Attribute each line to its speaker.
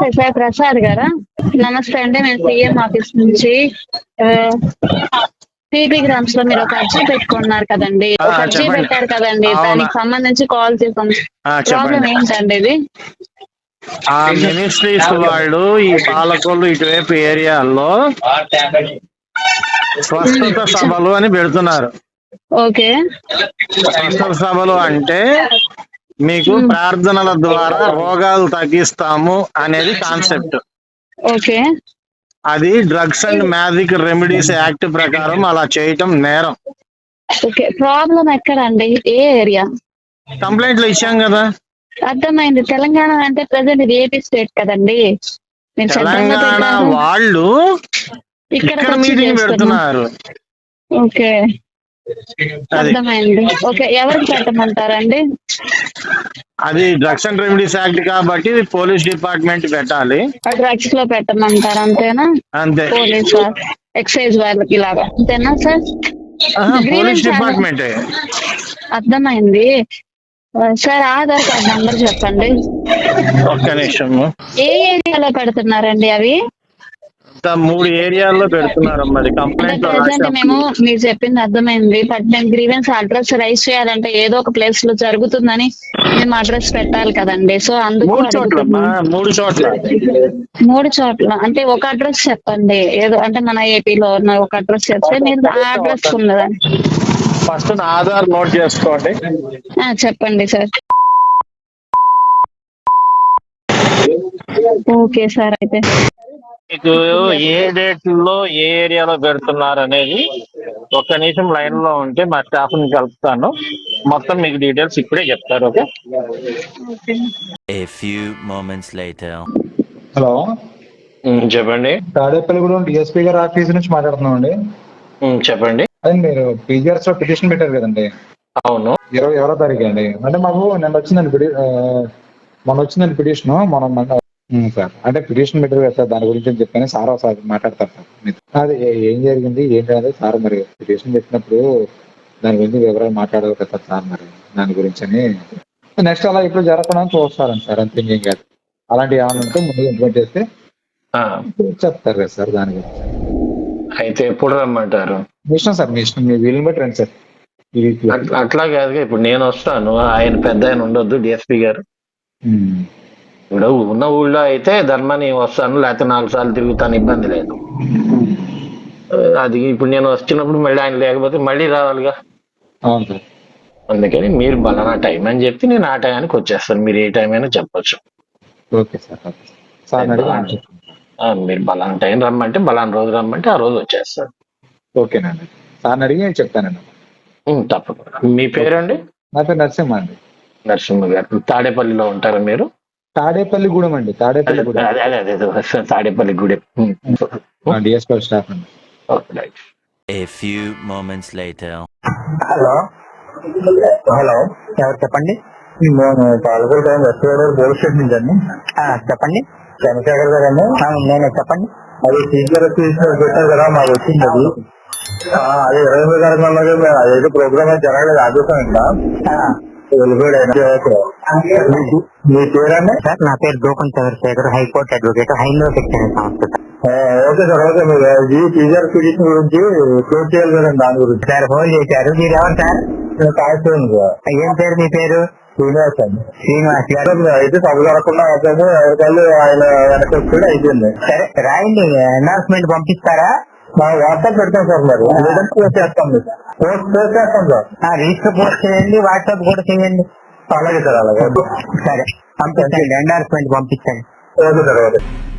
Speaker 1: Sir Prasad గారా? నమస్తే అండి, నేను సీఎం ఆఫీస్ నుంచి. పీపీ గ్రామ్స్ లో మీరు ఒక అర్జీ పెట్టుకున్నారు కదండి, ఒక అర్జీ
Speaker 2: చెప్పండి.
Speaker 1: పెట్టారు కదండి,
Speaker 2: అవునా?
Speaker 1: దానికి సంబంధించి కాల్ చేసాం. ప్రాబ్లం
Speaker 2: చెప్పండి.
Speaker 1: ఏంటండి ఇది?
Speaker 2: ఆ మినిస్ట్రీస్ వాళ్ళు ఈ పాలకొల్లు ఇటువైపు ఏరియాల్లో స్వస్థత సభలు అని పెడుతున్నారు.
Speaker 1: ఓకే.
Speaker 2: స్వస్థత సభలు అంటే మీకు ప్రార్థనల ద్వారా రోగాలు తగ్గిస్తాము అనేది కాన్సెప్ట్.
Speaker 1: ఓకే.
Speaker 2: అది drugs and magic remedies act ప్రకారం అలా చేయటం నేరం.
Speaker 1: ఓకే, ప్రాబ్లం ఎక్కడండి, ఏ ఏరియా?
Speaker 2: కంప్లైంట్లు ఇచ్చాం కదా.
Speaker 1: అర్థమైంది. తెలంగాణ అంటే ప్రజెంట్ ఇది ఏపీ స్టేట్ కదండి. మీరు సెంట్రల్
Speaker 2: తెలంగాణ వాళ్ళు ఇక్కడ మీటింగ్ పెడుతున్నారు.
Speaker 1: ఓకే, అర్థమైంది. ఓకే, ఎవరికి పెట్టమంటారండి?
Speaker 2: అది డ్రగ్స్ అండ్ రెమెడీస్ యాక్ట్ కాబట్టి పోలీస్ డిపార్ట్మెంట్ పెట్టాలి.
Speaker 1: డ్రగ్స్ లో పెట్టమంటారు అంతేనా?
Speaker 2: అంతే.
Speaker 1: పోలీస్ ఎక్సైజ్ వాళ్ళకి ఇలాగా అంతేనా సార్?
Speaker 2: Police department.
Speaker 1: అర్థమైంది సార్. ఆధార్ కార్డ్ నంబర్ చెప్పండి.
Speaker 2: ఒక్క నిమిషం.
Speaker 1: ఏ ఏరియాలో పెడుతున్నారండి అవి?
Speaker 2: 3 ఏరియాల్లో పెడుతున్నారు. మరి కంప్లైంట్
Speaker 1: మేము మీరు చెప్పింది అర్థమైంది. బట్ నేను గ్రీవెన్స్ అడ్రస్ రైజ్ చేయాలంటే ఏదో ఒక ప్లేస్ లో జరుగుతుందని మేము అడ్రస్ పెట్టాలి కదండి. సో అందుకు
Speaker 2: 3 చోట్ల
Speaker 1: 3 చోట్ల అంటే ఒక అడ్రస్ చెప్పండి. ఏదో అంటే మన ఏపీలో ఉన్న ఒక అడ్రస్ చెప్తే మీరు ఆ అడ్రస్ ఉన్నదని.
Speaker 2: ఫస్ట్ నా ఆధార్ నోట్ చేసుకోండి.
Speaker 1: చెప్పండి సార్. Okay sir. అయితే
Speaker 2: మీకు ఏ డేట్ లో ఏ ఏరియాలో పెడుతున్నారు అనేది ఒక్క నిమిషం లైన్ లో ఉంటే మా స్టాఫ్ ని కలుపుతాను. మొత్తం మీకు డీటెయిల్స్ ఇప్పుడే చెప్తారు. Okay.
Speaker 3: A few moments later.
Speaker 4: Hello,
Speaker 2: చెప్పండి.
Speaker 4: తాడేపల్లిగూడెం డిఎస్పీ గారి ఆఫీస్ నుంచి మాట్లాడుతున్నాం అండి.
Speaker 2: చెప్పండి.
Speaker 4: అదే మీరు పీజీఆర్స్ లో పిటిషన్ పెట్టారు కదండి.
Speaker 2: అవును.
Speaker 4: 21వ తారీఖు అండి. అంటే మాకు నిన్న వచ్చిందండి మొన్న వచ్చిందండి పిటిషన్. సార్ అంటే పిటిషన్ పెట్టారు కదా సార్, దాని గురించి అని చెప్పని సార్ ఒకసారి మాట్లాడతారు సార్. అది ఏం జరిగింది ఏంటి అనేది సార్, మరి పిటిషన్ పెట్టినప్పుడు దాని గురించి వివరాలు మాట్లాడాలి కదా సార్, మరి దాని గురించి అని. నెక్స్ట్ అలా ఇప్పుడు జరగకుండా చూస్తారండి సార్, అంతే. ఏం కాదు. అలాంటివి ఏమైనా ఉంటే ముందు ఇంప్లిమెంట్ చేస్తే చెప్తారు కదా సార్ దాని గురించి.
Speaker 2: అయితే ఎప్పుడు రమ్మంటారు?
Speaker 4: మీ ఇష్టం సార్, మీ ఇష్టం, మీ వీలుని బట్టి రండి సార్.
Speaker 2: అట్లా కాదుగా, ఇప్పుడు నేను వస్తాను, ఆయన పెద్ద ఆయన ఉండొద్దు డిఎస్పీ గారు. ఇప్పుడు ఉన్న ఊళ్ళో అయితే ధర్మాన్ని వస్తాను, లేకపోతే 4 సార్లు తిరుగుతాను, ఇబ్బంది లేదు. అది ఇప్పుడు నేను వచ్చినప్పుడు మళ్ళీ ఆయన లేకపోతే మళ్ళీ రావాలిగా.
Speaker 4: అవును సార్.
Speaker 2: అందుకని మీరు బలానా టైం అని చెప్తే నేను ఆ టైంకి వచ్చేస్తాను. మీరు ఏ టైం అయినా చెప్పొచ్చు.
Speaker 4: Okay sir. సార్
Speaker 2: మీరు బలానా టైం రమ్మంటే బలానా రోజు రమ్మంటే ఆ రోజు వచ్చేస్తాను.
Speaker 4: ఓకేనండి. సార్ అడిగి నేను చెప్తానండి.
Speaker 2: తప్పకుండా. మీ పేరండి?
Speaker 4: నా పేరు నరసింహ అండి.
Speaker 2: నరసింహ గారు. తాడేపల్లిలో ఉంటారా మీరు?
Speaker 4: తాడేపల్లిగూడెం అండి. తాడేపల్లిగూడెం.
Speaker 2: తాడేపల్లిగూడెం
Speaker 4: డిఎస్పీ స్టాఫ్ అండి.
Speaker 3: A few moments later.
Speaker 5: Hello, ఎవరు చెప్పండి? నేను Palakollu time West Godavari police station నుంచి అండి. చెప్పండి. చంద్రశేఖర్ గారు అండి. నేనే, చెప్పండి. అది టీచర్ పెట్టారు కదా, మాకు వచ్చింది అది. అదే 25 తారీఖు అదేదో ప్రోగ్రామ్ అయితే జరగలేదు, ఆదేశం ఇక్కడ వెళ్ళిపోయాడు. మీ పేరండి? సార్ నా పేరు గోపన్ చంద్రశేఖర్, హైకోర్టు అడ్వకేట్, హైందవ శిక్షణ సంస్థ. Okay sir. ఓకే, మీరు టీచర్ పిటిషన్ గురించి క్లోజ్ చేయాలి కదండి, దాని గురించి. సార్ ఫోన్ చేశారు. మీరు ఎవరు సార్? ఏం పేరు మీ పేరు? శ్రీనివాస్ అండి. శ్రీనివాస్ గారు. అయితే సభ జరగకుండా ఎవరికాళ్ళు ఆయన వెనకొచ్చి అయిపోయింది. సరే రాయండి, అనౌన్స్మెంట్ పంపిస్తారా? వాట్సాప్ పెడతాం సార్. మరి లేదంటే పోస్ట్ చేస్తాం. పోస్ట్ చేస్తాం సార్. రిజిస్టర్ పోస్ట్ చేయండి, వాట్సాప్ కూడా చేయండి. అలాగే సార్, అలాగే. సరే పంపించండి, అనౌన్స్మెంట్ పంపించండి. Okay sir. ఓకే.